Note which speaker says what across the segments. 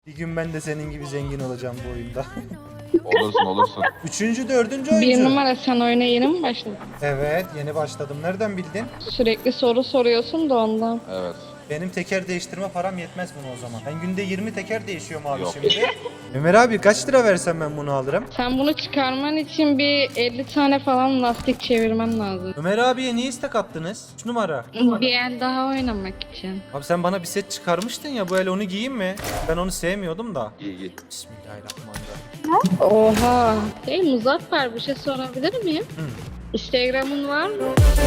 Speaker 1: Bir gün ben de senin gibi zengin olacağım bu oyunda.
Speaker 2: Olursun olursun.
Speaker 1: Üçüncü, dördüncü
Speaker 3: Bir
Speaker 1: oyuncu.
Speaker 3: numara, sen oyuna yeni mi başladın?
Speaker 1: Evet, yeni başladım. Nereden bildin?
Speaker 3: Sürekli soru soruyorsun da ondan.
Speaker 2: Evet.
Speaker 1: Benim teker değiştirme param yetmez buna o zaman. Ben günde 20 teker değişiyorum abi
Speaker 2: Yok.
Speaker 1: şimdi. Ömer abi kaç lira versem ben bunu alırım?
Speaker 3: Sen bunu çıkarman için bir 50 tane falan lastik çevirmen lazım.
Speaker 1: Ömer abiye niye istek attınız? 3 numara.
Speaker 3: Bir el daha oynamak için.
Speaker 1: Abi sen bana bir set çıkarmıştın ya, bu el onu giyeyim mi? Ben onu sevmiyordum da.
Speaker 2: İyi iyi.
Speaker 1: Bismillahirrahmanirrahim.
Speaker 3: Oha. Hey Muzaffer, bir şey sorabilir miyim?
Speaker 1: Hı.
Speaker 3: Instagram'ın var mı?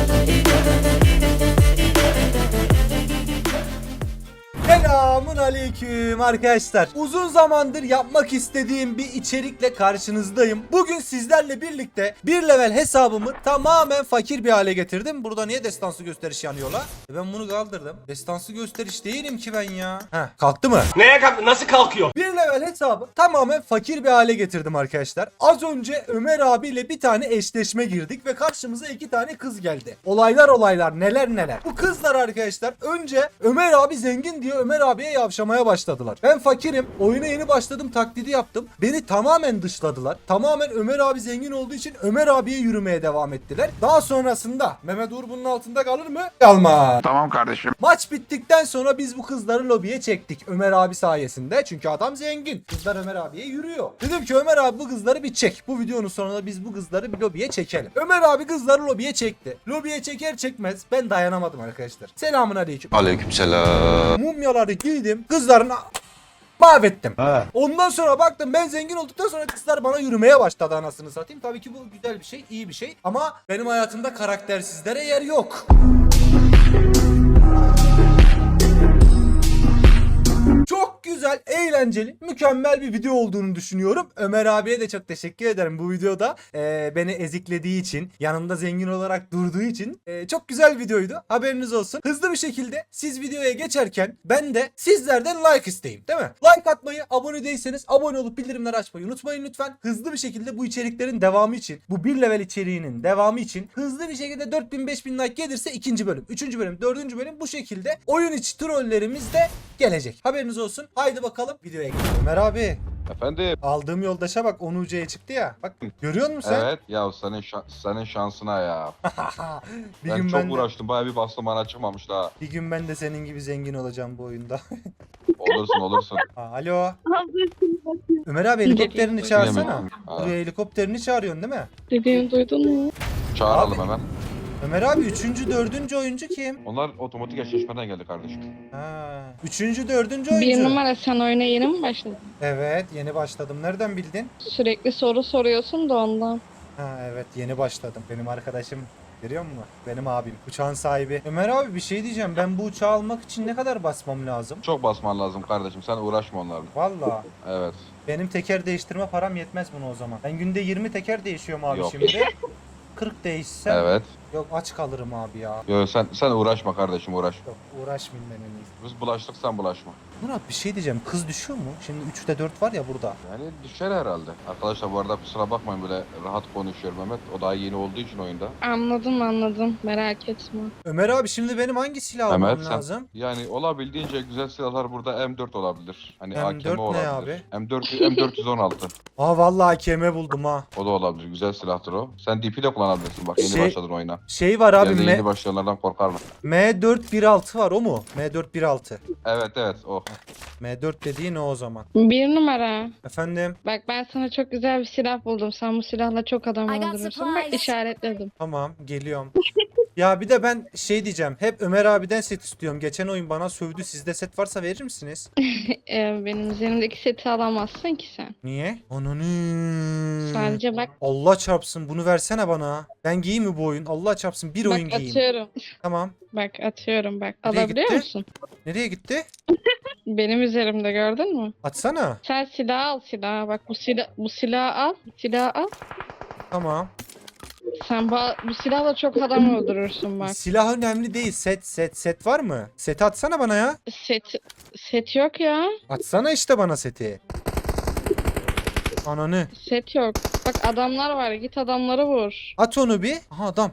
Speaker 1: Selamun aleyküm arkadaşlar. Uzun zamandır yapmak istediğim bir içerikle karşınızdayım. Bugün sizlerle birlikte bir level hesabımı tamamen fakir bir hale getirdim. Burada niye destansı gösteriş yanıyor la? Ben bunu kaldırdım. Destansı gösteriş değilim ki ben ya. Heh, kalktı mı?
Speaker 4: Neye kalk? Nasıl kalkıyor?
Speaker 1: Bir level hesabı tamamen fakir bir hale getirdim arkadaşlar. Az önce Ömer abiyle bir tane eşleşme girdik ve karşımıza 2 tane kız geldi. Olaylar neler neler. Bu kızlar arkadaşlar önce Ömer abi zengin diye Ömer abiye yavşamaya başladılar. Ben fakirim, oyuna yeni başladım taklidi yaptım. Beni tamamen dışladılar. Tamamen Ömer abi zengin olduğu için Ömer abiye yürümeye devam ettiler. Daha sonrasında Mehmet Uğur bunun altında kalır mı? Kalmaz.
Speaker 2: Tamam kardeşim.
Speaker 1: Maç bittikten sonra biz bu kızları lobiye çektik Ömer abi sayesinde, çünkü adam zengin. Kızlar Ömer abiye yürüyor. Dedim ki Ömer abi bu kızları bir çek. Bu videonun sonunda biz bu kızları bir lobiye çekelim. Ömer abi kızları lobiye çekti. Lobiye çeker çekmez ben dayanamadım arkadaşlar. Selamun aleyküm.
Speaker 2: Aleykümselam.
Speaker 1: Mumyaları giydim, kızların mahvettim. Ondan sonra baktım ben zengin olduktan sonra kızlar bana yürümeye başladı, anasını satayım. Tabii ki bu güzel bir şey, iyi bir şey. Ama benim hayatımda karaktersizlere yer yok. Çok güzel, eğlenceli, mükemmel bir video olduğunu düşünüyorum. Ömer abiye de çok teşekkür ederim bu videoda. Beni eziklediği için, yanımda zengin olarak durduğu için. Çok güzel bir videoydu. Haberiniz olsun. Hızlı bir şekilde siz videoya geçerken ben de sizlerden like isteyeyim, değil mi? Like atmayı, abone değilseniz abone olup bildirimleri açmayı unutmayın lütfen. Hızlı bir şekilde bu içeriklerin devamı için, bu bir level içeriğinin devamı için hızlı bir şekilde 4000-5000 like gelirse 2. bölüm, 3. bölüm, 4. bölüm bu şekilde oyun içi trollerimiz de gelecek. Haberiniz olsun. Haydi bakalım videoya geçelim. Ömer abi,
Speaker 2: Efendim.
Speaker 1: aldığım yoldaşa bak, 10 UC'ye çıktı ya. Bak görüyor musun sen?
Speaker 2: Evet. Ya senin şansına ya.
Speaker 1: bir
Speaker 2: Ben
Speaker 1: gün
Speaker 2: çok
Speaker 1: ben de,
Speaker 2: uğraştım. Bayağı bir bastım bana çıkmamış daha.
Speaker 1: bir gün ben de senin gibi zengin olacağım bu oyunda.
Speaker 2: Olursun olursun.
Speaker 1: Alo. Ömer abi helikopterini çağırsana.
Speaker 2: Ha,
Speaker 1: Buraya helikopterini çağırıyorsun değil mi?
Speaker 3: Dediğimi duydun mu?
Speaker 2: çağıralım hemen.
Speaker 1: Ömer abi 3. 4. oyuncu kim?
Speaker 2: Onlar otomatik eşleşmeden geldi kardeşim.
Speaker 1: Ha. 3. 4. oyuncu.
Speaker 3: Bir numara, sen oyuna yeni mi başladın?
Speaker 1: Evet, yeni başladım. Nereden bildin?
Speaker 3: Sürekli soru soruyorsun da ondan.
Speaker 1: Ha evet, yeni başladım. Benim arkadaşım, görüyor musun? Benim abim. Uçağın sahibi. Ömer abi bir şey diyeceğim. Ben bu uçağı almak için ne kadar basmam lazım?
Speaker 2: Çok basman lazım kardeşim. Sen uğraşma onlarla.
Speaker 1: Valla.
Speaker 2: Evet.
Speaker 1: Benim teker değiştirme param yetmez buna o zaman. Ben günde 20 teker değişiyorum abi
Speaker 2: Yok.
Speaker 1: şimdi. 40 değişsem.
Speaker 2: Evet.
Speaker 1: Yok, aç kalırım abi ya.
Speaker 2: Yo, sen uğraşma kardeşim uğraş.
Speaker 1: Yok, uğraşmayayım ben en iyisi.
Speaker 2: Biz bulaştık sen bulaşma.
Speaker 1: Murat bir şey diyeceğim. Kız düşüyor mu? Şimdi 3'te 4 var ya burada.
Speaker 2: Yani düşer herhalde. Arkadaşlar bu arada kusura bakmayın böyle rahat konuşuyorum Mehmet. O daha yeni olduğu için oyunda.
Speaker 3: Anladım. Merak etme.
Speaker 1: Ömer abi şimdi benim hangi silah almam
Speaker 2: Mehmet sen
Speaker 1: lazım?
Speaker 2: yani olabildiğince güzel silahlar burada M4 olabilir. Hani
Speaker 1: M4
Speaker 2: AKM
Speaker 1: ne
Speaker 2: olabilir. M416.
Speaker 1: Aa vallahi AKM buldum ha.
Speaker 2: O da olabilir. Güzel silahtır o. Sen DP de kullanabilirsin bak yeni
Speaker 1: Şey-
Speaker 2: başladın oyuna.
Speaker 1: Şey var abi,
Speaker 2: Yerde yeni başlayanlardan korkar mı?
Speaker 1: M416 var, o mu? M416.
Speaker 2: Evet o.
Speaker 1: M4 dediğin o zaman.
Speaker 3: Bir numara.
Speaker 1: Efendim?
Speaker 3: Bak ben sana çok güzel bir silah buldum. Sen bu silahla çok adam
Speaker 5: I got
Speaker 3: öldürürsün. Bak
Speaker 5: supplies.
Speaker 3: işaretledim.
Speaker 1: Tamam, geliyorum. Ya bir de ben şey diyeceğim. Hep Ömer abiden set istiyorum. Geçen oyun bana sövdü. Sizde set varsa verir misiniz?
Speaker 3: Benim üzerimdeki seti alamazsın ki sen.
Speaker 1: Niye? Ananı.
Speaker 3: Sadece bak
Speaker 1: Allah çarpsın, bunu versene bana. Ben giyeyim mi bu oyun? Allah çarpsın, bir oyun
Speaker 3: bak
Speaker 1: giyeyim.
Speaker 3: atıyorum.
Speaker 1: Tamam.
Speaker 3: Bak atıyorum bak.
Speaker 1: Nereye
Speaker 3: Alabiliyor
Speaker 1: gitti?
Speaker 3: musun?
Speaker 1: Nereye gitti?
Speaker 3: Benim üzerimde gördün mü?
Speaker 1: Atsana.
Speaker 3: Sen silah al silahı. Bak bu silahı al. Silahı al.
Speaker 1: Tamam.
Speaker 3: Sen bu silahla çok adam öldürürsün bak.
Speaker 1: Silah önemli değil. Set var mı? Seti atsana bana ya.
Speaker 3: Set yok ya.
Speaker 1: Atsana işte bana seti. Ananı.
Speaker 3: Set yok. Bak adamlar var. Git adamları vur.
Speaker 1: At onu bir. Aha adam.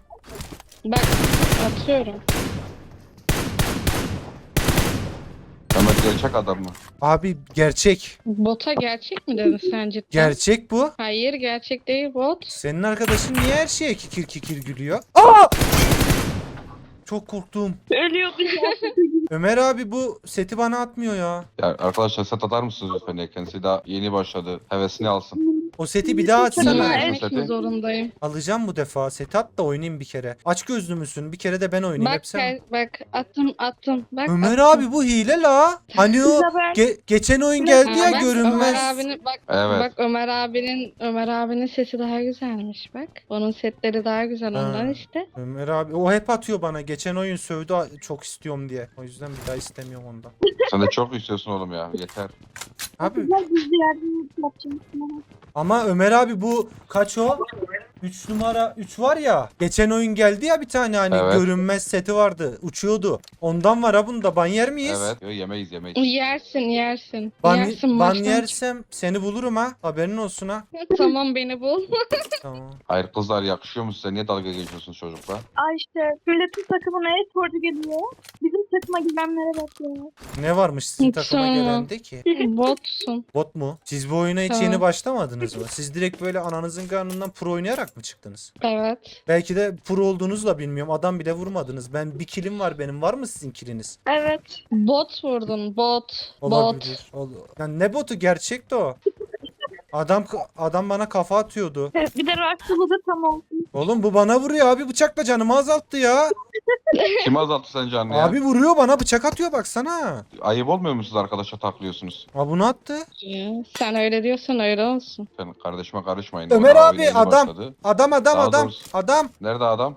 Speaker 3: Bak atıyorum.
Speaker 2: Mehmet gel Gerçek adam mı?
Speaker 1: Abi gerçek.
Speaker 3: Bota gerçek mi dedin sen cidden?
Speaker 1: Gerçek bu.
Speaker 3: Hayır gerçek değil bot.
Speaker 1: Senin arkadaşın niye her şeye kikir kikir gülüyor? Aa! Çok korktum.
Speaker 3: Ölüyordu.
Speaker 1: Ömer abi bu seti bana atmıyor ya.
Speaker 2: Ya arkadaşlar set atar mısınız lütfen ya? Kendisi daha yeni başladı. Hevesini alsın.
Speaker 1: O seti bir daha
Speaker 3: Sana
Speaker 1: atsana.
Speaker 3: vermek mi zorundayım?
Speaker 1: Alacağım bu defa. Seti at da oynayayım bir kere. Aç gözlü müsün? Bir kere de ben oynayayım.
Speaker 3: Bak
Speaker 1: Hep sen.
Speaker 3: bak attım. Bak
Speaker 1: Ömer
Speaker 3: attım.
Speaker 1: abi bu hile la. Hani o geçen oyun geldi ya
Speaker 3: Bak,
Speaker 1: görünmez.
Speaker 3: Ömer abinin bak
Speaker 2: Evet.
Speaker 3: bak Ömer abinin sesi daha güzelmiş bak. Onun setleri daha güzel
Speaker 1: Ha.
Speaker 3: ondan işte.
Speaker 1: Ömer abi o hep atıyor bana. Geçen oyun sövdü çok istiyorum diye. O yüzden bir daha istemiyorum ondan.
Speaker 2: Sen de çok istiyorsun oğlum ya. Yeter.
Speaker 1: Abi
Speaker 4: Güzel gizli yardım yapacağım sana.
Speaker 1: ama Ömer abi bu kaç o? 3 numara 3 var ya. Geçen oyun geldi ya bir tane hani
Speaker 2: Evet.
Speaker 1: görünmez seti vardı. Uçuyordu. Ondan var ha bunda. Ban yer miyiz?
Speaker 2: Evet. Yo, yemeyiz.
Speaker 3: Yersin. Yersin
Speaker 1: Ban
Speaker 3: maçtan.
Speaker 1: yersem seni bulurum ha. Haberin olsun ha.
Speaker 3: Tamam beni bul.
Speaker 1: Tamam.
Speaker 2: Hayır kızlar yakışıyor mu size? Niye dalga geçiyorsunuz çocukla?
Speaker 4: Ay işte milletin takımına e-sporcu geliyor. Bizim takıma girenlere bak ya.
Speaker 1: Ne varmış sizin
Speaker 3: Hiç
Speaker 1: takıma
Speaker 3: sorma.
Speaker 1: gelende ki?
Speaker 3: Botsun.
Speaker 1: Bot mu? Siz bu oyuna hiç
Speaker 3: Tamam.
Speaker 1: yeni başlamadınız mı? Siz direkt böyle ananızın karnından pro oynayarak mı çıktınız?
Speaker 3: Evet.
Speaker 1: Belki de pro olduğunuzu da bilmiyorum. Adam bile vurmadınız. Ben bir kilim var benim. Var mı sizin kiliniz?
Speaker 4: Evet.
Speaker 3: Bot vurdun bot.
Speaker 1: Olabilir. Yani ne botu? Gerçekti o. Adam bana kafa atıyordu.
Speaker 4: Bir de Raksalı da tam olsun.
Speaker 1: Oğlum bu bana vuruyor abi bıçakla canımı azalttı ya.
Speaker 2: Kim azalttı sen canını ya?
Speaker 1: Abi vuruyor bana bıçak atıyor baksana.
Speaker 2: Ayıp olmuyor mu siz arkadaşa taklıyorsunuz?
Speaker 1: Ha bunu attı.
Speaker 3: Sen öyle diyorsan öyle olsun.
Speaker 2: Sen kardeşime karışmayın.
Speaker 1: Ömer
Speaker 2: O daha
Speaker 1: abi,
Speaker 2: oyuna yeni
Speaker 1: adam.
Speaker 2: başladı.
Speaker 1: Adam
Speaker 2: Daha doğrusu-
Speaker 1: adam.
Speaker 2: Nerede adam?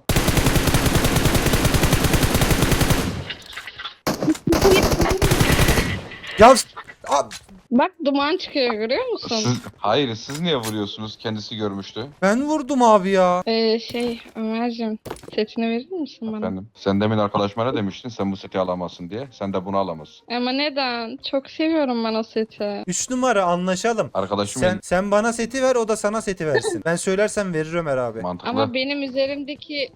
Speaker 1: Ya
Speaker 3: Bak duman çıkıyor görüyor musun?
Speaker 2: Hayır siz niye vuruyorsunuz? Kendisi görmüştü.
Speaker 1: ben vurdum abi ya.
Speaker 3: Ömerciğim setini verir misin bana?
Speaker 2: Efendim. Sen demin arkadaşıma ne demiştin? Sen bu seti alamazsın diye. Sen de bunu alamazsın.
Speaker 3: Ama neden? Çok seviyorum ben o seti.
Speaker 1: 3 numara anlaşalım.
Speaker 2: Arkadaşım
Speaker 1: Sen bana seti ver o da sana seti versin. Ben söylersem verir Ömer abi.
Speaker 2: mantıklı.
Speaker 3: Ama benim üzerimdeki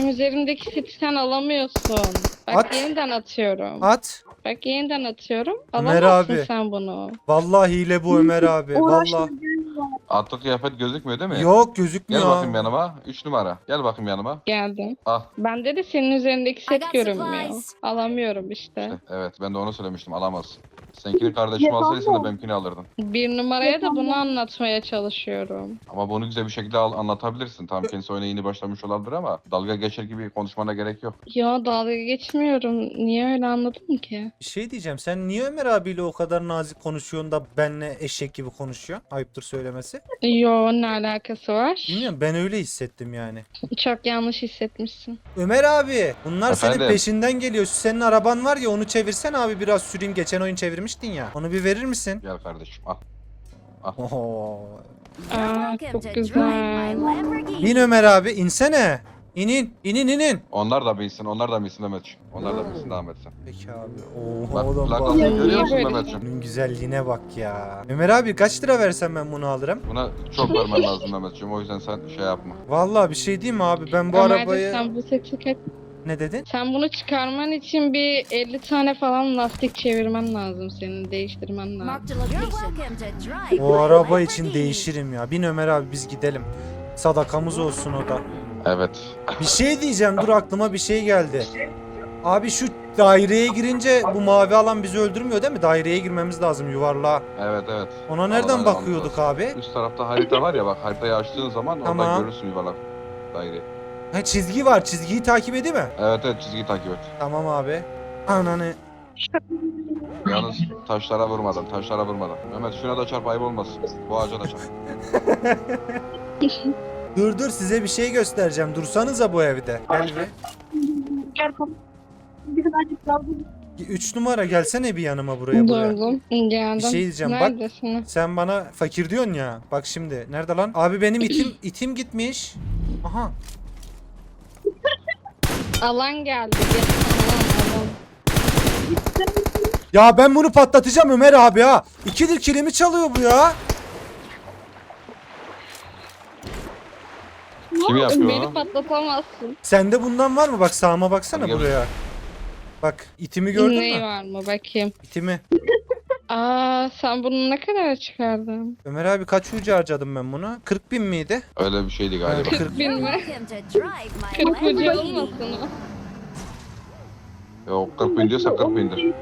Speaker 3: seti sen alamıyorsun. Bak
Speaker 1: At.
Speaker 3: yeniden atıyorum.
Speaker 1: At.
Speaker 3: Bak yeniden atıyorum.
Speaker 1: Ömer
Speaker 3: Alamazsın
Speaker 1: abi.
Speaker 3: sen bunu.
Speaker 1: Vallahi hile bu Ömer abi. Vallahi.
Speaker 4: Uğraştırıcı var.
Speaker 2: Atlı kıyafet gözükmüyor değil mi?
Speaker 1: Yok
Speaker 2: Gel
Speaker 1: gözükmüyor.
Speaker 2: bakayım yanıma. 3 numara. Gel bakayım yanıma.
Speaker 3: Geldim.
Speaker 2: Ah.
Speaker 3: Bende de senin üzerindeki
Speaker 5: I
Speaker 3: set
Speaker 5: got
Speaker 3: görünmüyor.
Speaker 5: supplies.
Speaker 3: Alamıyorum işte.
Speaker 2: İşte, evet ben de onu söylemiştim. Alamazsın. Seninkini kardeşim alsaydı sen de benimkini alırdın.
Speaker 3: Bir numaraya da bunu anlatmaya çalışıyorum.
Speaker 2: Ama bunu güzel bir şekilde anlatabilirsin. Tam kendisi oyuna yeni başlamış olabilir ama dalga geçer gibi konuşmana gerek yok.
Speaker 3: Ya dalga geçmiyorum. Niye öyle anladın ki?
Speaker 1: Bir şey diyeceğim. Sen niye Ömer abiyle o kadar nazik konuşuyorsun da benle eşek gibi konuşuyorsun? Ayıptır söylemesi.
Speaker 3: Yo ne alakası var?
Speaker 1: Bilmiyorum ben öyle hissettim yani.
Speaker 3: Çok yanlış hissetmişsin.
Speaker 1: Ömer abi bunlar senin
Speaker 2: Efendim?
Speaker 1: peşinden geliyor. Şu senin araban var ya onu çevirsen abi biraz süreyim. Geçen oyun çevirmiştin ya. Onu bir verir misin?
Speaker 2: Gel kardeşim al.
Speaker 1: Oho.
Speaker 3: Aa,
Speaker 5: Welcome
Speaker 3: çok
Speaker 5: to drive
Speaker 3: güzel.
Speaker 5: my Lamborghini.
Speaker 1: Bin Ömer abi insene. İnin.
Speaker 2: Onlar da bilsin Mehmetciğim. Onlar da bilsin devam etsin.
Speaker 1: Peki abi. Oo,
Speaker 2: Bak
Speaker 1: oğlum bak.
Speaker 2: plakasını görüyor musun
Speaker 3: Niye böyle?
Speaker 2: Mehmetciğim?
Speaker 1: Bunun güzelliğine bak ya. Ömer abi kaç lira versem ben bunu alırım?
Speaker 2: Buna çok vermen lazım Mehmetciğim. O yüzden sen şey yapma.
Speaker 1: Vallahi bir şey diyeyim mi abi ben bu
Speaker 3: Ömerciğim,
Speaker 1: arabayı...
Speaker 3: sen bu seti
Speaker 1: Ne dedin?
Speaker 3: sen bunu çıkarman için bir 50 tane falan lastik çevirmen lazım senin. Değiştirmen lazım.
Speaker 5: Marked a location. You're welcome to drive
Speaker 1: O
Speaker 5: my
Speaker 1: araba için
Speaker 5: Lamborghini.
Speaker 1: değişirim ya. Bin Ömer abi biz gidelim. Sadakamız olsun o da.
Speaker 2: Evet.
Speaker 1: Bir şey diyeceğim dur aklıma bir şey geldi. Abi şu daireye girince bu mavi alan bizi öldürmüyor değil mi? Daireye girmemiz lazım yuvarlığa.
Speaker 2: Evet.
Speaker 1: Ona nereden
Speaker 2: Alana
Speaker 1: bakıyorduk
Speaker 2: almamız
Speaker 1: abi?
Speaker 2: lazım. Üst tarafta harita var ya bak haritayı açtığın zaman
Speaker 1: Tamam.
Speaker 2: orada görürsün yuvarlak daireyi.
Speaker 1: Ha çizgi var. Çizgiyi takip edeyim mi?
Speaker 2: Evet çizgiyi takip et.
Speaker 1: Tamam abi. Ananı.
Speaker 2: Yalnız taşlara vurmadan. Mehmet şuna da çarp ayıp olmasın. Bu ağaca da çarp.
Speaker 1: Dur size bir şey göstereceğim. Dursanıza bu evde. Gel bir.
Speaker 4: Gel kapı. Birazcık kaldım.
Speaker 1: 3 numara gelsene bir yanıma buraya.
Speaker 3: Durdum. Geldim.
Speaker 1: Bir şey diyeceğim, bak.
Speaker 3: Neredesin?
Speaker 1: Sen bana fakir diyorsun ya. Bak şimdi. Nerede lan? Abi benim itim gitmiş. Aha.
Speaker 3: Alan geldi. Alan.
Speaker 1: Ya ben bunu patlatacağım Ömer abi ha. 2'dir kilimi çalıyor bu ya.
Speaker 2: Kim yapıyor
Speaker 3: Beni
Speaker 2: onu?
Speaker 3: patlatamazsın.
Speaker 1: Sende bundan var mı? Bak sağıma baksana
Speaker 2: Hadi gel.
Speaker 1: buraya. Bak itimi gördün
Speaker 3: Neyi
Speaker 1: mü?
Speaker 3: var mı bakayım.
Speaker 1: İtimi.
Speaker 3: Aa, sen bunu ne kadar çıkardın?
Speaker 1: Ömer abi kaç ucu harcadım ben buna? 40.000 miydi?
Speaker 2: Öyle bir şeydi galiba.
Speaker 3: 40 bin mi?
Speaker 5: Provoke him to drive my
Speaker 3: 40 ucu
Speaker 5: Lamborghini.
Speaker 3: olmasın o.
Speaker 2: Yok 40 bin diyorsa 40 bindir.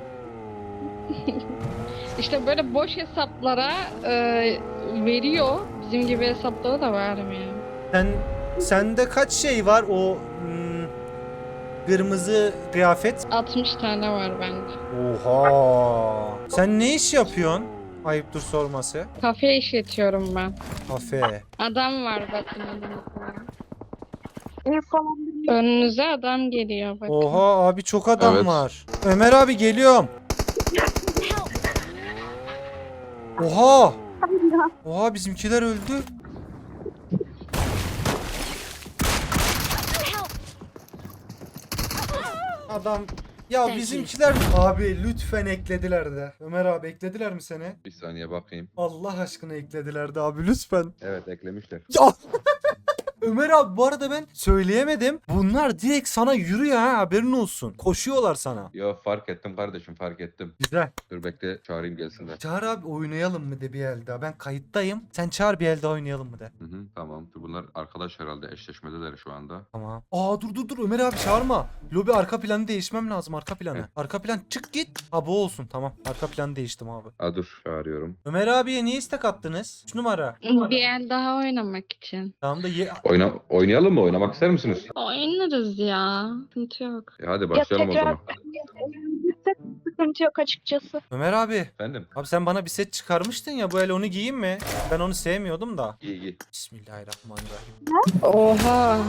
Speaker 3: İşte böyle boş hesaplara veriyor. Bizim gibi hesaplara da vermiyor.
Speaker 1: Sende kaç şey var o kırmızı kıyafet?
Speaker 3: 60 tane var bende.
Speaker 1: Oha. Sen ne iş yapıyorsun? Ayıptır sorması.
Speaker 3: Kafe işletiyorum ben.
Speaker 1: Kafe.
Speaker 3: Adam var bakın önünüzde.
Speaker 4: Ev falan bir
Speaker 3: Önünüze adam geliyor bakın.
Speaker 1: Oha abi çok adam
Speaker 2: Evet.
Speaker 1: var. Ömer abi geliyorum.
Speaker 5: Help!
Speaker 1: Oha.
Speaker 4: ya.
Speaker 1: Oha bizimkiler öldü.
Speaker 5: Help!
Speaker 1: Adam ya
Speaker 5: Thank
Speaker 1: bizimkiler abi lütfen eklediler de. Ömer abi eklediler mi seni?
Speaker 2: Bir saniye bakayım.
Speaker 1: Allah aşkına eklediler de abi lütfen.
Speaker 2: Evet eklemişler.
Speaker 1: Ya. Ömer abi bu arada ben söyleyemedim. Bunlar direkt sana yürüyor ha haberin olsun. Koşuyorlar sana.
Speaker 2: Yo fark ettim kardeşim fark ettim.
Speaker 1: Güzel.
Speaker 2: Dur bekle çağırayım gelsinler.
Speaker 1: Çağır abi oynayalım mı de bir el daha. Ben kayıttayım. Sen çağır bir el daha oynayalım mı de.
Speaker 2: Hı hı, tamam. Bunlar arkadaş herhalde eşleşmedeler şu anda.
Speaker 1: Tamam. Aa dur Ömer abi çağırma. Lobi arka planı değişmem lazım arka planı.
Speaker 2: Heh.
Speaker 1: Arka plan çık git. Ha bu olsun tamam. Arka planı değiştim abi.
Speaker 2: Aa dur çağırıyorum.
Speaker 1: Ömer abiye niye istek attınız? 3 numara.
Speaker 3: Bir el daha oynamak için.
Speaker 1: Tamam da
Speaker 2: Oynayalım mı? Oynamak ister misiniz?
Speaker 3: Oynarız ya. Sıkıntı yok.
Speaker 2: Hadi
Speaker 4: Ya
Speaker 2: başlayalım o
Speaker 4: tekrar
Speaker 2: zaman.
Speaker 4: sıkıntı yok açıkçası.
Speaker 1: Ömer abi.
Speaker 2: Efendim?
Speaker 1: Abi sen bana bir set çıkarmıştın ya bu el onu giyeyim mi? Ben onu sevmiyordum da.
Speaker 2: İyi iyi.
Speaker 1: Bismillahirrahmanirrahim.
Speaker 3: Oha.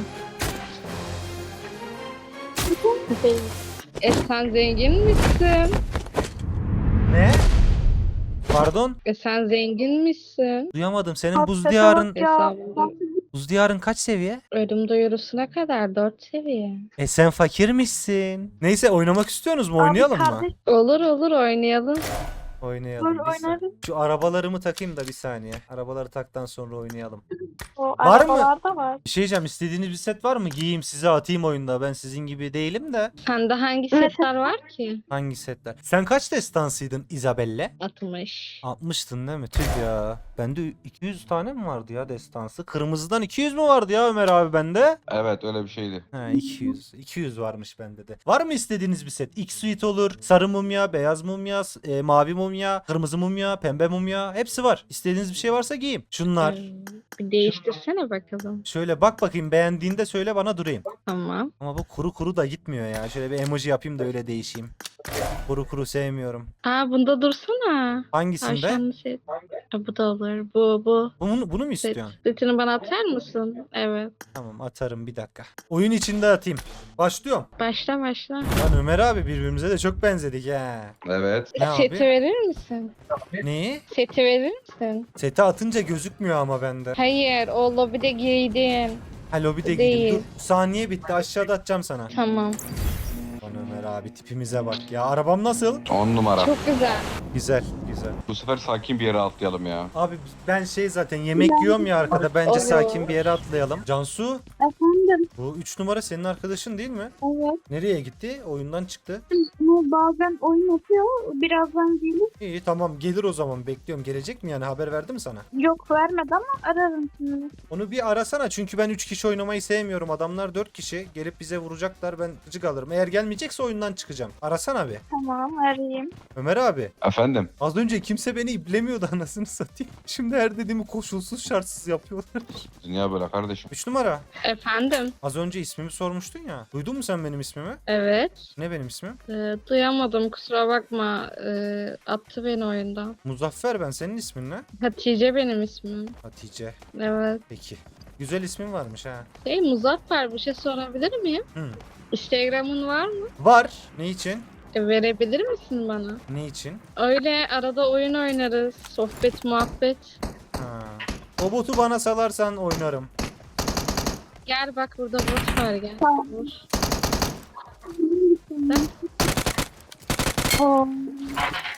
Speaker 3: Sen zengin misin?
Speaker 1: Ne? Pardon?
Speaker 3: Sen zengin misin?
Speaker 1: Duyamadım. Senin
Speaker 4: Abi,
Speaker 1: buz
Speaker 4: sese
Speaker 1: diyarın
Speaker 4: bak ya.
Speaker 3: Hesabında.
Speaker 1: buz diyarın kaç seviye?
Speaker 3: Ölüm duyurusuna kadar 4 seviye.
Speaker 1: Sen fakirmişsin. Neyse oynamak istiyorsunuz mu?
Speaker 4: Abi,
Speaker 1: Oynayalım mı?
Speaker 4: kardeş,
Speaker 3: Olur oynayalım.
Speaker 1: Oynayalım.
Speaker 4: Olur,
Speaker 1: bir saniye.
Speaker 4: oynarız.
Speaker 1: Şu arabalarımı takayım da bir saniye. Arabaları taktan sonra oynayalım.
Speaker 4: O
Speaker 1: Var mı?
Speaker 4: arabalarda var.
Speaker 1: Bir şey diyeceğim. İstediğiniz bir set var mı? Giyeyim size atayım oyunda. Ben sizin gibi değilim de.
Speaker 3: Sende hangi
Speaker 4: Evet.
Speaker 3: setler var ki?
Speaker 1: Hangi setler? Sen kaç destansıydın Isabelle?
Speaker 3: 60.
Speaker 1: 60'tın değil mi? Tüh ya. Bende 200 tane mi vardı ya destansı? Kırmızıdan 200 mü vardı ya Ömer abi bende?
Speaker 2: Evet öyle bir şeydi.
Speaker 1: He 200. 200 varmış bende de. Var mı istediğiniz bir set? X-Suite olur. Sarı mumya, beyaz mumya, mavi mumya, kırmızı mumya, pembe mumya. Hepsi var. İstediğiniz bir şey varsa giyeyim. Şunlar.
Speaker 3: Bir değiştirsene bakalım.
Speaker 1: Şöyle bak bakayım beğendiğinde söyle bana durayım.
Speaker 3: Tamam.
Speaker 1: Ama bu kuru kuru da gitmiyor ya. Şöyle bir emoji yapayım da öyle değişeyim. Kuru kuru sevmiyorum.
Speaker 3: Aa, bunda dursana.
Speaker 1: Hangisinde?
Speaker 3: Tavşanlı set. Ha, bu da olur. Bu.
Speaker 1: Bunu mu
Speaker 3: Set.
Speaker 1: istiyorsun?
Speaker 3: Setini bana atar mısın? Evet.
Speaker 1: Tamam atarım bir dakika. Oyun içinde atayım. Başlıyorum.
Speaker 3: Başla.
Speaker 1: Lan Ömer abi birbirimize de çok benzedik he.
Speaker 2: Evet.
Speaker 1: Ne
Speaker 3: Seti
Speaker 1: abi?
Speaker 3: verir misin?
Speaker 1: Neyi?
Speaker 3: Seti verir misin?
Speaker 1: Seti atınca gözükmüyor ama bende.
Speaker 3: Hayır, o lobide giydin.
Speaker 1: Ha lobide
Speaker 3: Değil.
Speaker 1: gidip dur. Saniye bitti aşağıda atacağım sana.
Speaker 3: Tamam.
Speaker 1: Lan Ömer abi tipimize bak ya. Arabam nasıl?
Speaker 2: 10 numara.
Speaker 3: Çok güzel.
Speaker 1: Güzel güzel.
Speaker 2: Bu sefer sakin bir yere atlayalım ya.
Speaker 1: Abi ben zaten yemek yiyorum ya arkada. Bence
Speaker 3: Olur.
Speaker 1: sakin bir yere atlayalım. Cansu
Speaker 4: Efendim,
Speaker 1: bu 3 numara senin arkadaşın değil mi?
Speaker 4: evet.
Speaker 1: Nereye gitti? Oyundan çıktı.
Speaker 4: Bu bazen oyun atıyor, birazdan gelir.
Speaker 1: İyi tamam gelir o zaman bekliyorum. Gelecek mi yani haber verdi mi sana?
Speaker 4: Yok vermedi ama ararım şimdi.
Speaker 1: Onu bir arasana çünkü ben 3 kişi oynamayı sevmiyorum. Adamlar 4 kişi gelip bize vuracaklar ben gıcık alırım. Eğer gelmeyecekse oyundan çıkacağım. Arasana bir.
Speaker 4: Tamam, arayayım.
Speaker 1: Ömer abi
Speaker 2: Efendim.
Speaker 1: az önce kimse beni iplemiyordu anasını satayım. Şimdi her dediğimi koşulsuz şartsız yapıyorlar.
Speaker 2: Dünya böyle kardeşim.
Speaker 1: 3 numara.
Speaker 3: Efendim?
Speaker 1: Az önce ismimi sormuştun ya. Duydun mu sen benim ismimi?
Speaker 3: Evet.
Speaker 1: Ne benim ismim?
Speaker 3: Duyamadım, kusura bakma. Attı beni oyundan.
Speaker 1: Muzaffer ben. Senin ismin ne?
Speaker 3: Hatice benim ismim.
Speaker 1: Hatice.
Speaker 3: Evet.
Speaker 1: Peki. Güzel ismin varmış ha.
Speaker 3: Muzaffer, bir şey sorabilir miyim?
Speaker 1: Hı.
Speaker 3: Instagram'ın var mı?
Speaker 1: Var. Ne için?
Speaker 3: Verebilir misin bana?
Speaker 1: Ne için?
Speaker 3: Öyle arada oyun oynarız. Sohbet, muhabbet.
Speaker 1: Ha. O botu bana salarsan oynarım.
Speaker 3: Gel bak, burada bot var, gel.
Speaker 4: Tamam.
Speaker 3: Vur.
Speaker 4: Oo.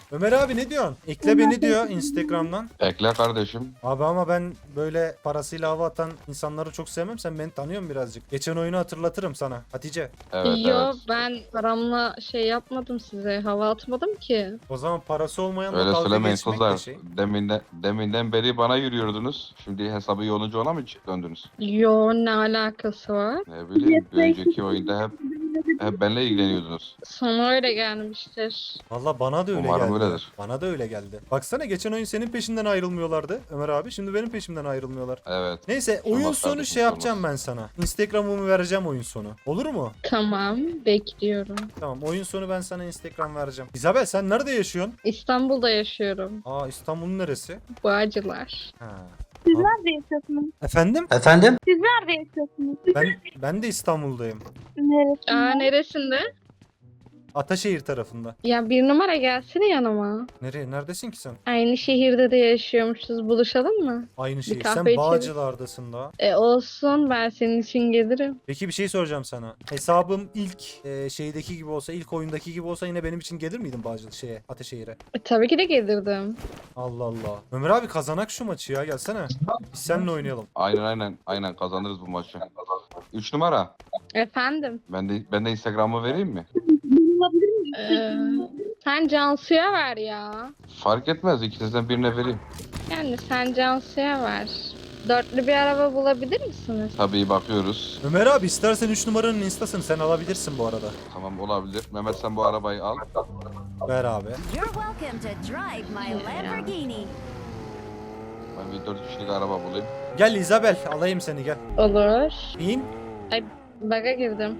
Speaker 1: Ömer abi ne diyorsun? Ekle beni diyor Instagram'dan.
Speaker 2: Ekle kardeşim.
Speaker 1: Abi ama ben böyle parasıyla hava atan insanları çok sevmem. Sen beni tanıyorsun birazcık. Geçen oyunu hatırlatırım sana. Hatice.
Speaker 2: Evet
Speaker 3: Yo
Speaker 2: evet.
Speaker 3: ben paramla şey yapmadım size. Hava atmadım ki.
Speaker 1: O zaman parası olmayanla
Speaker 2: Öyle
Speaker 1: dalga
Speaker 2: söylemeyin
Speaker 1: geçmek de
Speaker 2: kızlar.
Speaker 1: şey.
Speaker 2: Deminden beri bana yürüyordunuz. Şimdi hesabı iyi olunca ona mı döndünüz?
Speaker 3: Yo ne alakası var?
Speaker 2: Ne bileyim. Bir önceki oyunda hep benimle ilgileniyordunuz.
Speaker 3: Sana öyle gelmiştir.
Speaker 1: Valla bana da öyle
Speaker 2: Umarım
Speaker 1: geldi.
Speaker 2: öyledir.
Speaker 1: Bana da öyle geldi. Baksana geçen oyun senin peşinden ayrılmıyorlardı Ömer abi. Şimdi benim peşimden ayrılmıyorlar.
Speaker 2: Evet.
Speaker 1: Neyse oyun
Speaker 2: Olmaz
Speaker 1: sonu
Speaker 2: kardeşim,
Speaker 1: şey
Speaker 2: olmaz.
Speaker 1: yapacağım ben sana. Instagram'ımı vereceğim oyun sonu. Olur mu?
Speaker 3: Tamam bekliyorum.
Speaker 1: Tamam oyun sonu ben sana Instagram vereceğim. İzabel sen nerede yaşıyorsun?
Speaker 3: İstanbul'da yaşıyorum.
Speaker 1: Aa İstanbul'un neresi?
Speaker 3: Bağcılar.
Speaker 1: Ha.
Speaker 4: Siz nerede yaşıyorsunuz?
Speaker 1: Efendim?
Speaker 4: Siz nerede yaşıyorsunuz?
Speaker 1: Ben de İstanbul'dayım.
Speaker 4: Neresi?
Speaker 3: Aa neresinde?
Speaker 1: Ataşehir tarafında.
Speaker 3: Ya bir numara gelsene yanıma.
Speaker 1: Nereye? Neredesin ki sen?
Speaker 3: Aynı şehirde de yaşıyormuşuz. Buluşalım mı?
Speaker 1: Aynı şey.
Speaker 3: kahve
Speaker 1: Sen
Speaker 3: içelim.
Speaker 1: Bağcılar'dasın da.
Speaker 3: Olsun ben senin için gelirim.
Speaker 1: Peki bir şey soracağım sana. Hesabım ilk şeydeki gibi olsa, ilk oyundaki gibi olsa yine benim için gelir miydin Bağcılar şeye, Ataşehir'e?
Speaker 3: Tabii ki de gelirdim.
Speaker 1: Allah Allah. Ömer abi kazanak şu maçı ya gelsene. Biz seninle oynayalım.
Speaker 2: Aynen kazanırız bu maçı. 3 numara.
Speaker 3: Efendim?
Speaker 2: Ben de Instagram'ı vereyim mi?
Speaker 4: Bulabilir miyim?
Speaker 3: Sen Cansu'ya ver ya.
Speaker 2: Fark etmez. İkinizden birine vereyim.
Speaker 3: Yani sen Cansu'ya ver. Dörtlü bir araba bulabilir misiniz?
Speaker 2: Tabii bakıyoruz.
Speaker 1: Ömer abi istersen 3 numaranın instasını sen alabilirsin bu arada.
Speaker 2: Tamam olabilir. Mehmet sen bu arabayı al.
Speaker 1: Ver abi.
Speaker 5: You're welcome to drive my Lamborghini.
Speaker 2: Ben bir 4 kişilik araba bulayım.
Speaker 1: Gel Isabel alayım seni gel.
Speaker 3: Olur.
Speaker 1: İn.
Speaker 3: Baga girdim.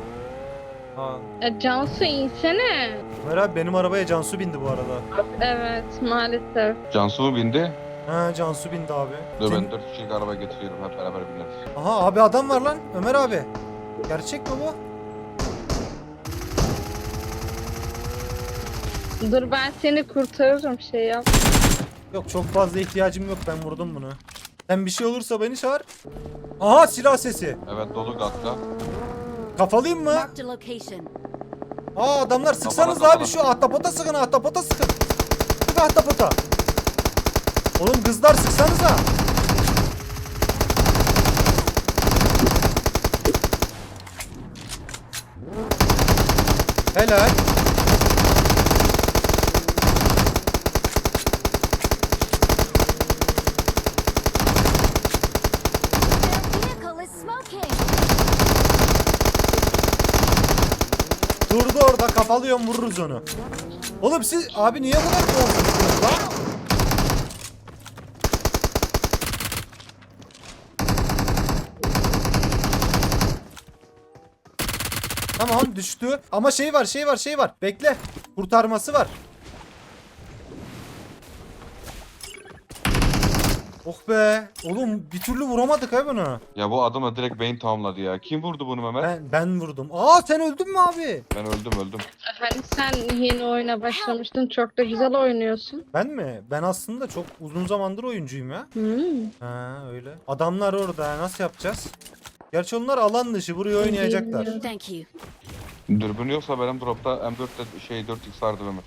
Speaker 1: Ha.
Speaker 3: Cansu insene.
Speaker 1: Ömer abi benim arabaya Cansu bindi bu arada.
Speaker 3: Evet maalesef.
Speaker 2: Cansu mu bindi?
Speaker 1: Ha Cansu bindi abi.
Speaker 2: Dur
Speaker 1: Sen-
Speaker 2: ben 4 kişilik araba getiriyorum. Hep beraber bineriz.
Speaker 1: Aha abi adam var lan Ömer abi. Gerçek mi bu?
Speaker 3: Dur ben seni kurtarırım şey yap.
Speaker 1: Yok çok fazla ihtiyacım yok ben vurdum bunu. Sen bir şey olursa beni çağır. Aha silah sesi.
Speaker 2: Evet dolu katta.
Speaker 1: Kafalıyım mı?
Speaker 5: Marked a location.
Speaker 1: Aa adamlar sıksanız
Speaker 2: Kafana,
Speaker 1: abi şu ahtapota sıkın ahtapota sıkın. Sık ahtapota. Oğlum kızlar sıksanıza. Helal.
Speaker 5: Their vehicle is smoking.
Speaker 1: Durdu orada kafalıyorum vururuz onu. Oğlum siz abi niye bu kadar korkuyorsunuz lan? Tamam düştü. Ama şey var. Bekle. Kurtarması var. Oh be. Oğlum bir türlü vuramadık ha bunu.
Speaker 2: Ya bu adamı direkt beyin tamamladı ya. Kim vurdu bunu Mehmet?
Speaker 1: Ben vurdum. Aa sen öldün mü abi?
Speaker 2: Ben öldüm.
Speaker 3: Hani sen yeni oyuna başlamıştın çok da güzel oynuyorsun.
Speaker 1: Ben mi? Ben aslında çok uzun zamandır oyuncuyum ya. Ha öyle. Adamlar orada. Nasıl yapacağız? Gerçi onlar alan dışı. Buraya oynayacaklar.
Speaker 5: Thank you.
Speaker 2: Dürbün yoksa benim dropta M4'te 4x vardı Mehmet.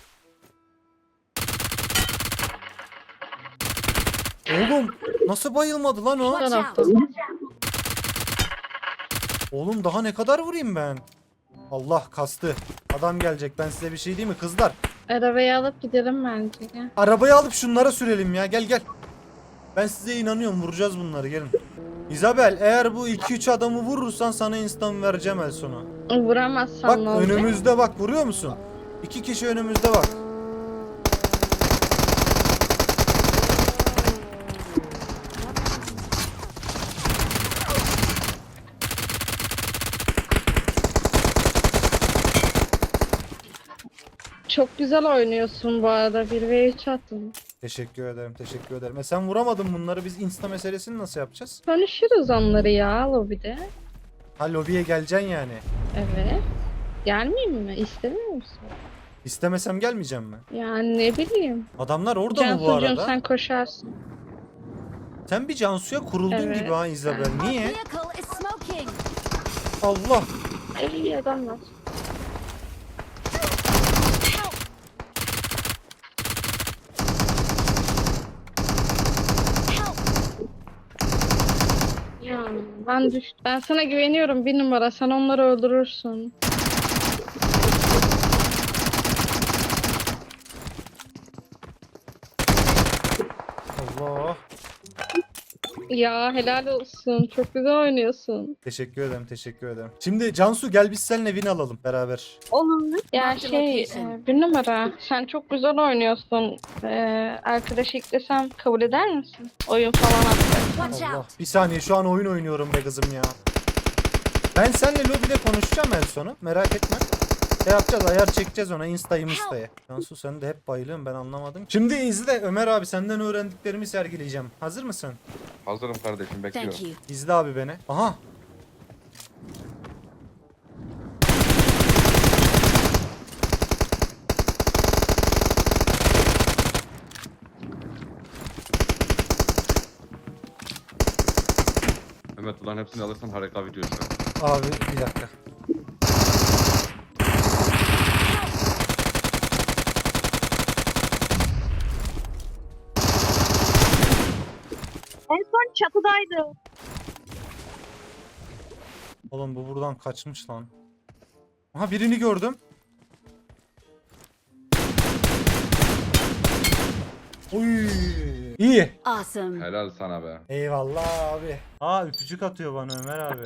Speaker 1: Oğlum nasıl bayılmadı lan o?
Speaker 5: Watch
Speaker 3: tarafta.
Speaker 5: out.
Speaker 1: Oğlum daha ne kadar vurayım ben? Allah kastı. Adam gelecek. Ben size bir şey diyeyim mi kızlar?
Speaker 3: Arabayı alıp gidelim bence.
Speaker 1: Arabayı alıp şunlara sürelim ya. Gel. Ben size inanıyorum. Vuracağız bunları. Gelin. Isabel eğer bu 2-3 adamı vurursan sana instan vereceğim el sonu.
Speaker 3: Vuramazsan
Speaker 1: Bak
Speaker 3: ne olacak?
Speaker 1: önümüzde bak. Vuruyor musun? 2 kişi önümüzde bak.
Speaker 3: Çok güzel oynuyorsun bu arada. 1v3 attın.
Speaker 1: Teşekkür ederim. Sen vuramadın bunları. Biz insta meselesini nasıl yapacağız?
Speaker 3: Konuşuruz onları ya lobide.
Speaker 1: Ha lobiye geleceksin yani.
Speaker 3: Evet. Gelmeyeyim mi? İstemiyor musun?
Speaker 1: İstemesem gelmeyeceğim mi?
Speaker 3: Yani ne bileyim.
Speaker 1: Adamlar orada mı bu
Speaker 3: Cansucuğum
Speaker 1: arada?
Speaker 3: sen koşarsın.
Speaker 1: Sen bir Cansu'ya kuruldun
Speaker 3: Evet.
Speaker 1: gibi ha Isabel.
Speaker 5: Our
Speaker 1: Niye?
Speaker 5: vehicle is smoking.
Speaker 1: Allah.
Speaker 3: İyi adamlar. Ben düştüm. Ben sana güveniyorum, bir numara. Sen onları öldürürsün.
Speaker 1: Allah.
Speaker 3: Ya helal olsun. Çok güzel oynuyorsun.
Speaker 1: Teşekkür ederim, teşekkür ederim. Şimdi Cansu gel biz seninle win alalım beraber.
Speaker 4: Olur.
Speaker 3: Ya
Speaker 5: Marked
Speaker 3: şey,
Speaker 5: location.
Speaker 3: bir numara. Sen çok güzel oynuyorsun. Arkadaş eklesem kabul eder misin? Oyun falan atsak.
Speaker 5: Watch
Speaker 1: Allah.
Speaker 5: out.
Speaker 1: Bir saniye şu an oyun oynuyorum be kızım ya. Ben seninle lobide konuşacağım en sonu. Merak etme. Şey yapacağız, ayar çekeceğiz ona insta'ya. Cansu sen de hep bayılıyorsun, ben anlamadım. Şimdi izle Ömer abi, senden öğrendiklerimi sergileyeceğim. Hazır mısın?
Speaker 2: Hazırım kardeşim, bekliyorum.
Speaker 5: Thank you.
Speaker 1: İzle abi beni. Aha.
Speaker 2: Mehmet ulan hepsini alırsan harika video şu
Speaker 1: Abi bir dakika.
Speaker 4: En son çatıdaydı.
Speaker 1: Oğlum bu buradan kaçmış lan. Aha birini gördüm. Oy. İyi.
Speaker 5: Awesome.
Speaker 2: Helal sana be.
Speaker 1: Eyvallah abi. Aa öpücük atıyor bana Ömer abi.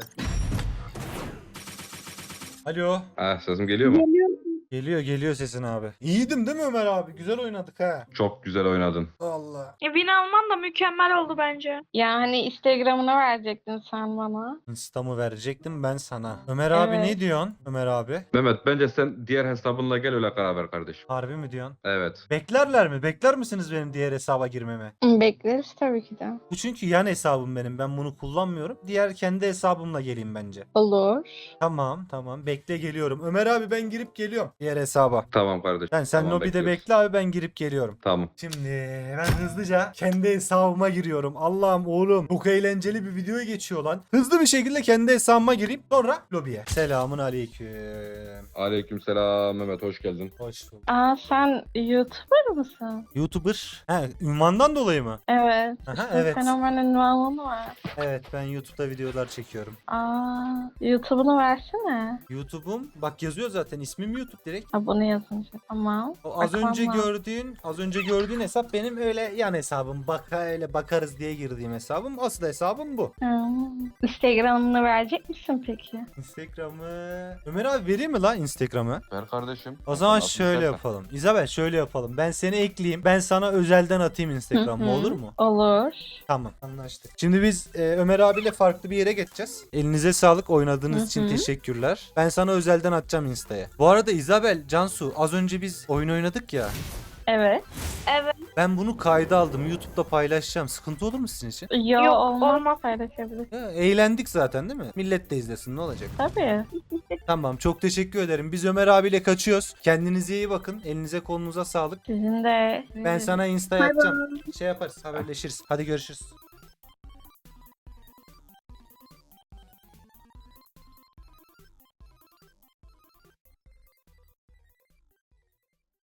Speaker 1: Alo.
Speaker 2: Sesim geliyor mu?
Speaker 4: Geliyor.
Speaker 1: Geliyor sesin abi. İyiydim değil mi Ömer abi? Güzel oynadık ha.
Speaker 2: Çok güzel oynadın.
Speaker 1: Allah.
Speaker 4: Win alman da mükemmel oldu bence.
Speaker 3: Ya hani Instagram'ını verecektin sen bana.
Speaker 1: Instamı verecektim ben sana. Ömer abi
Speaker 3: Evet.
Speaker 1: ne diyorsun? Ömer abi.
Speaker 2: Mehmet bence sen diğer hesabınla gel öyle karar ver kardeşim.
Speaker 1: Harbi mi diyorsun?
Speaker 2: Evet.
Speaker 1: Beklerler mi? Bekler misiniz benim diğer hesaba girmemi?
Speaker 3: Bekleriz tabii ki de.
Speaker 1: Bu çünkü yan hesabım benim. Ben bunu kullanmıyorum. Diğer kendi hesabımla geleyim bence.
Speaker 3: Olur.
Speaker 1: Tamam. Bekle geliyorum. Ömer abi ben girip geliyorum. Diğer hesaba.
Speaker 2: Tamam kardeşim.
Speaker 1: Sen
Speaker 2: Tamam,
Speaker 1: lobide
Speaker 2: bekliyoruz.
Speaker 1: bekle abi, ben girip geliyorum.
Speaker 2: Tamam.
Speaker 1: Şimdi ben hızlıca kendi hesabıma giriyorum. Allah'ım oğlum çok eğlenceli bir videoya geçiyor lan. Hızlı bir şekilde kendi hesabıma gireyim. Sonra lobiye. Selamun aleyküm.
Speaker 2: Aleykümselam Mehmet, hoş geldin.
Speaker 1: Hoş bulduk.
Speaker 3: Aa sen YouTuber mısın?
Speaker 1: YouTuber. He, ünvandan dolayı mı?
Speaker 3: Evet.
Speaker 1: Aha,
Speaker 3: İşte
Speaker 1: evet.
Speaker 3: Fenomen ünvanı var.
Speaker 1: Evet, ben YouTube'da videolar çekiyorum.
Speaker 3: Aa YouTube'unu versene.
Speaker 1: YouTube'um bak yazıyor zaten, ismim YouTube direkt.
Speaker 3: Abone yazınca. Tamam.
Speaker 1: O az
Speaker 3: Bakalım.
Speaker 1: önce gördüğün hesap benim öyle yan hesabım. Öyle bakarız diye girdiğim hesabım. Asıl hesabım bu.
Speaker 3: Instagram'ını verecek misin peki?
Speaker 1: Instagram'ı... Ömer abi vereyim mi lan Instagram'ı?
Speaker 2: Ver kardeşim.
Speaker 1: O zaman
Speaker 2: Nasıl
Speaker 1: şöyle
Speaker 2: istersen.
Speaker 1: yapalım. İzabel şöyle yapalım. Ben seni ekleyeyim. Ben sana özelden atayım Instagram'ı,
Speaker 3: Hı hı.
Speaker 1: olur mu?
Speaker 3: Olur.
Speaker 1: Tamam, anlaştık. Şimdi biz Ömer abiyle farklı bir yere geçeceğiz. Elinize sağlık, oynadığınız
Speaker 3: Hı
Speaker 1: için
Speaker 3: hı.
Speaker 1: teşekkürler. Ben sana özelden atacağım Insta'ya. Bu arada İzabel, Cansu az önce biz oyun oynadık ya.
Speaker 3: Evet.
Speaker 1: Ben bunu kayda aldım. YouTube'da paylaşacağım. Sıkıntı olur mu sizin için?
Speaker 3: Yok, olmaz.
Speaker 4: olmaz.
Speaker 3: Paylaşabilirsin.
Speaker 1: Ya, eğlendik zaten değil mi? Millet de izlesin, ne olacak?
Speaker 3: Tabii.
Speaker 1: Tamam, çok teşekkür ederim. Biz Ömer abiyle kaçıyoruz. Kendinize iyi bakın. Elinize kolunuza sağlık.
Speaker 3: Sizin de.
Speaker 1: Ben sana Insta'ya
Speaker 4: Bay
Speaker 1: atacağım. Şey yaparız, haberleşiriz. Hadi görüşürüz.